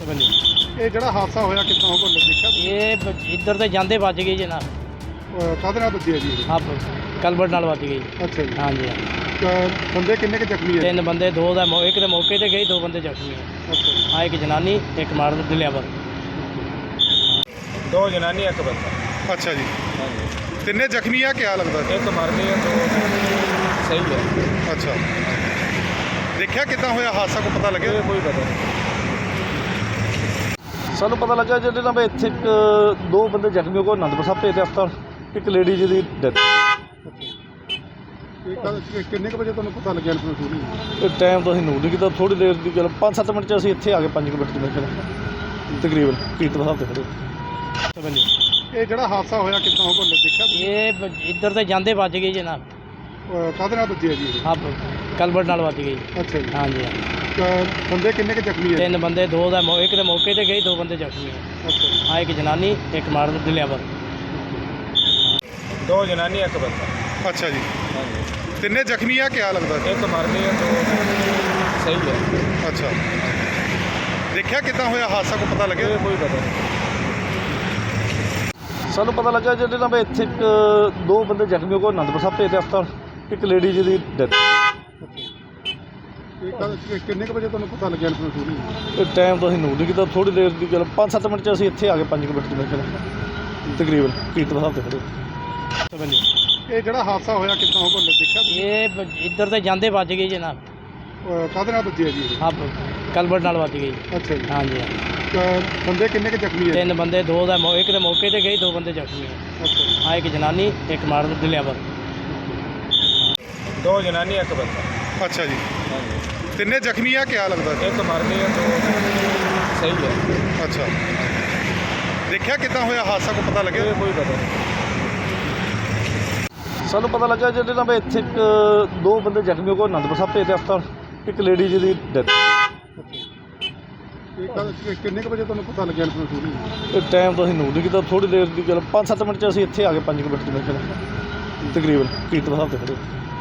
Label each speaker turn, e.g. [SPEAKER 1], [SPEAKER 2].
[SPEAKER 1] बनी
[SPEAKER 2] ਇਹ ਜਿਹੜਾ ਹਾਦਸਾ ਹੋਇਆ ਕਿੱਦਾਂ ਹੋ ਕੋਲ ਦੇਖਿਆ
[SPEAKER 1] ये इधर से जाते बच गई जी ना
[SPEAKER 2] ਕਾਹਦੇ ਨਾਲ ਵੱਜੀ ਹੈ ਜੀ ਇਹ?
[SPEAKER 1] आप कलबट नाल बच गई।
[SPEAKER 2] ਅੱਛਾ ਜੀ
[SPEAKER 1] हाँ जी हाँ।
[SPEAKER 2] ਬੰਦੇ ਕਿੰਨੇ ਕੁ ਜ਼ਖਮੀ ਹੈ?
[SPEAKER 1] 3 बंदे दो दा एक तो मौके ते गई 2 बंदे जख्मी है।
[SPEAKER 2] ਅੱਛਾ ਜੀ
[SPEAKER 1] हाँ एक जनानी एक मार डिलीवर 2 जनानी एक बंदा।
[SPEAKER 2] ਅੱਛਾ ਜੀ
[SPEAKER 1] हाँ जी
[SPEAKER 2] ਤਿੰਨੇ ਜ਼ਖਮੀ ਆ ਕਿਆ ਲੱਗਦਾ?
[SPEAKER 1] एक मर गई 2 सही है।
[SPEAKER 2] ਅੱਛਾ ਦੇਖਿਆ ਕਿੱਦਾਂ ਹੋਇਆ ਹਾਦਸਾ ਕੋ ਪਤਾ ਲੱਗਿਆ?
[SPEAKER 1] कोई पता नहीं।
[SPEAKER 3] ਸਾਨੂੰ ਪਤਾ ਲੱਗਾ ਜਿਹਦੇ ਨਾਲ ਵੀ ਇੱਥੇ ਦੋ ਬੰਦੇ ਜ਼ਖਮੀ ਹੋ ਗਏ ਅਨੰਦਪੁਰ ਸਾਹਿਬ ਭੇਜਦੇ ਹਸਪਤਾਲ, ਇੱਕ ਲੇਡੀ ਜੀ ਦੀ ਡੈਥ।
[SPEAKER 2] ਕਿੰਨੇ ਕੁ ਵਜੇ ਤੁਹਾਨੂੰ ਪਤਾ ਲੱਗਿਆ ਇਨਫੋਰਮੇਸ਼ਨ?
[SPEAKER 3] ਇਹ ਟਾਈਮ ਤਾਂ ਅਸੀਂ ਨੋਟ ਨਹੀਂ ਕੀਤਾ, ਥੋੜ੍ਹੀ ਦੇਰ ਦੀ ਗੱਲ 5-7 ਮਿੰਟ 'ਚ ਅਸੀਂ ਇੱਥੇ ਆ ਗਏ, 5 ਮਿੰਟ ਦੇ ਵਿੱਚ ਤਕਰੀਬਨ ਕੀਰਤਨ ਸਾਹਿਬ ਤੇ ਖੜੇ।
[SPEAKER 1] बनी
[SPEAKER 2] ਇਹ ਜਿਹੜਾ ਹਾਦਸਾ ਹੋਇਆ ਕਿੱਦਾਂ ਹੋ ਕੋਲ ਦੇਖਿਆ?
[SPEAKER 1] ये इधर से जाते बच गई जी ना
[SPEAKER 2] ਕਾਹਦੇ ਨਾਲ ਵੱਜੀ ਹੈ ਜੀ ਇਹ?
[SPEAKER 1] आप कलबट नाल बच गई।
[SPEAKER 2] ਅੱਛਾ ਜੀ
[SPEAKER 1] हाँ जी हाँ।
[SPEAKER 2] ਬੰਦੇ ਕਿੰਨੇ ਕੁ ਜ਼ਖਮੀ ਹੈ?
[SPEAKER 1] 3 बंदे दो दा एक तो मौके ते गई 2 बंदे जख्मी है।
[SPEAKER 2] ਅੱਛਾ ਜੀ
[SPEAKER 1] हाँ एक जनानी एक मार डिलीवर 2 जनानी एक बंदा।
[SPEAKER 2] ਅੱਛਾ ਜੀ
[SPEAKER 1] हाँ जी
[SPEAKER 2] ਤਿੰਨੇ ਜ਼ਖਮੀ ਆ ਕਿਆ ਲੱਗਦਾ?
[SPEAKER 1] एक मर गई 2 सही है।
[SPEAKER 2] ਅੱਛਾ ਦੇਖਿਆ ਕਿੱਦਾਂ ਹੋਇਆ ਹਾਦਸਾ ਕੋ ਪਤਾ ਲੱਗਿਆ?
[SPEAKER 1] कोई पता नहीं।
[SPEAKER 3] ਸਾਨੂੰ ਪਤਾ ਲੱਗਾ ਜਿਹਦੇ ਨਾਲ ਵੀ ਇੱਥੇ ਦੋ ਬੰਦੇ ਜ਼ਖਮੀ ਹੋ ਗਏ ਅਨੰਦਪੁਰ ਸਾਹਿਬ ਭੇਜਦੇ ਹਸਪਤਾਲ, ਇੱਕ ਲੇਡੀ ਜੀ ਦੀ ਡੈਥ।
[SPEAKER 2] ਕਿੰਨੇ ਕੁ ਵਜੇ ਤੁਹਾਨੂੰ ਪਤਾ ਲੱਗਿਆ ਇਨਫੋਰਮੇਸ਼ਨ?
[SPEAKER 3] ਇਹ ਟਾਈਮ ਤਾਂ ਅਸੀਂ ਨੋਟ ਨਹੀਂ ਕੀਤਾ, ਥੋੜ੍ਹੀ ਦੇਰ ਦੀ ਗੱਲ 5-7 ਮਿੰਟ 'ਚ ਅਸੀਂ ਇੱਥੇ ਆ ਗਏ, 5 ਮਿੰਟ ਦੇ ਵਿੱਚ ਤਕਰੀਬਨ ਕੀਰਤਨ ਸਾਹਿਬ ਤੇ ਖੜੇ।
[SPEAKER 1] बनी
[SPEAKER 2] ਇਹ ਜਿਹੜਾ ਹਾਦਸਾ ਹੋਇਆ ਕਿੱਦਾਂ ਹੋ ਕੋਲ ਦੇਖਿਆ?
[SPEAKER 1] ये इधर से जाते बच गई जी ना
[SPEAKER 2] ਕਾਹਦੇ ਨਾਲ ਵੱਜੀ ਹੈ ਜੀ ਇਹ?
[SPEAKER 1] आप कलबट नाल बच गई।
[SPEAKER 2] ਅੱਛਾ ਜੀ
[SPEAKER 1] हाँ जी हाँ।
[SPEAKER 2] ਬੰਦੇ ਕਿੰਨੇ ਕੁ ਜ਼ਖਮੀ ਹੈ?
[SPEAKER 1] 3 बंदे दो दा एक तो मौके ते गई 2 बंदे जख्मी है।
[SPEAKER 2] ਅੱਛਾ ਜੀ
[SPEAKER 1] हाँ एक जनानी एक मार डिलीवर 2 जनानी एक बंदा।
[SPEAKER 2] ਅੱਛਾ ਜੀ
[SPEAKER 1] हाँ जी
[SPEAKER 2] ਤਿੰਨੇ ਜ਼ਖਮੀ ਆ ਕਿਆ ਲੱਗਦਾ?
[SPEAKER 1] एक मर गई 2 सही है।
[SPEAKER 2] ਅੱਛਾ ਦੇਖਿਆ ਕਿੱਦਾਂ ਹੋਇਆ ਹਾਦਸਾ ਕੋ ਪਤਾ ਲੱਗਿਆ?
[SPEAKER 1] कोई पता नहीं।
[SPEAKER 3] ਸਾਨੂੰ ਪਤਾ ਲੱਗਾ ਜਿਹਦੇ ਨਾਲ ਵੀ ਇੱਥੇ ਦੋ ਬੰਦੇ ਜ਼ਖਮੀ ਹੋ ਗਏ ਅਨੰਦਪੁਰ ਸਾਹਿਬ ਭੇਜਦੇ ਹਸਪਤਾਲ, ਇੱਕ ਲੇਡੀ ਜੀ ਦੀ ਡੈਥ।
[SPEAKER 2] ਕਿੰਨੇ ਕੁ ਵਜੇ ਤੁਹਾਨੂੰ ਪਤਾ ਲੱਗਿਆ ਇਨਫੋਰਮੇਸ਼ਨ?
[SPEAKER 3] ਇਹ ਟਾਈਮ ਤਾਂ ਅਸੀਂ ਨੋਟ ਨਹੀਂ ਕੀਤਾ, ਥੋੜ੍ਹੀ ਦੇਰ ਦੀ ਗੱਲ 5-7 ਮਿੰਟ 'ਚ ਅਸੀਂ ਇੱਥੇ ਆ ਗਏ, 5 ਮਿੰਟ ਦੇ ਵਿੱਚ ਤਕਰੀਬਨ ਕੀਰਤਨ ਸਾਹਿਬ ਤੇ ਖੜੇ।